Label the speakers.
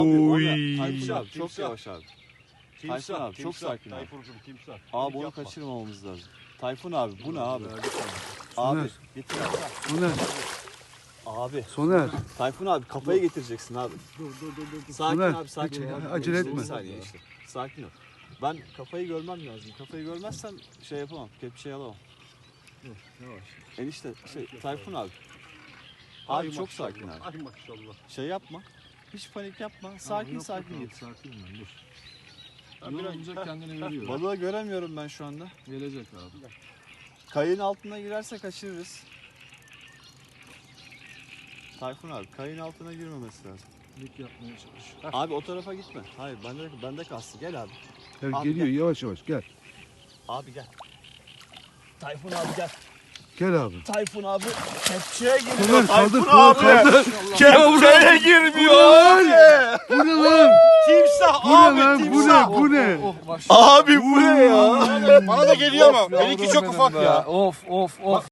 Speaker 1: Oy.
Speaker 2: Tayfun abi çok yavaş abi. Tayfun
Speaker 3: Timsah,
Speaker 2: abi çok
Speaker 3: timsah,
Speaker 2: sakin abi.
Speaker 3: Tayfuncuğum timsah.
Speaker 2: Abi onu
Speaker 3: Yapma.
Speaker 2: kaçırmamamız lazım. Tayfun abi bu ne abi?
Speaker 1: Soner.
Speaker 2: Abi getir abi.
Speaker 1: Soner.
Speaker 2: Abi.
Speaker 1: Soner.
Speaker 2: Tayfun abi kafayı getireceksin abi.
Speaker 3: Dur.
Speaker 2: Sakin
Speaker 1: Soner,
Speaker 2: abi sakin.
Speaker 1: hiç
Speaker 2: ol.
Speaker 1: acele
Speaker 2: İşte
Speaker 1: etme.
Speaker 2: Bir saniye işte. Sakin ol. Ben kafayı görmem lazım. Kafayı görmezsem şey yapamam. Kepçeyi alamam.
Speaker 3: Yavaş.
Speaker 2: Enişte Tayfun abi. Abi
Speaker 3: Ay
Speaker 2: çok
Speaker 3: maşallah,
Speaker 2: sakin abi.
Speaker 3: Ay maşallah.
Speaker 2: Şey yapma. Hiç panik yapma. Sakin
Speaker 3: Yok,
Speaker 2: sakin
Speaker 3: yok,
Speaker 2: git.
Speaker 3: Sakin ben dur.
Speaker 4: Yorulunca kendini veriyor.
Speaker 2: Balığı göremiyorum ben şu anda.
Speaker 4: Gelecek abi.
Speaker 2: Kayığın altına girerse kaçırırız. Tayfun abi kayığın altına girmemesi lazım.
Speaker 4: Lik yapmaya çalış.
Speaker 2: Abi o tarafa gitme. Hayır bende kalsın. Gel abi.
Speaker 1: Evet,
Speaker 2: Abi
Speaker 1: geliyor
Speaker 2: gel.
Speaker 1: yavaş yavaş gel.
Speaker 2: Abi gel. Tayfun abi gel.
Speaker 1: Gel abi.
Speaker 2: Tayfun abi kepçeye
Speaker 1: Soner
Speaker 2: giriyor.
Speaker 1: kaldır
Speaker 2: Tayfun
Speaker 1: kulağı
Speaker 2: abi.
Speaker 1: kaldır.
Speaker 2: Kepçeye girmiyor abi.
Speaker 1: Bu ne lan?
Speaker 3: Timsah
Speaker 1: Bu ne lan? Bu ne? Bu ne?
Speaker 4: Oh maşallah.
Speaker 2: Abi bu ne ya?
Speaker 3: Bana da geliyor ama.
Speaker 4: Of,
Speaker 3: Benimki
Speaker 4: yavrum
Speaker 3: çok
Speaker 4: benim
Speaker 3: ufak
Speaker 4: be.
Speaker 3: ya.
Speaker 4: Of.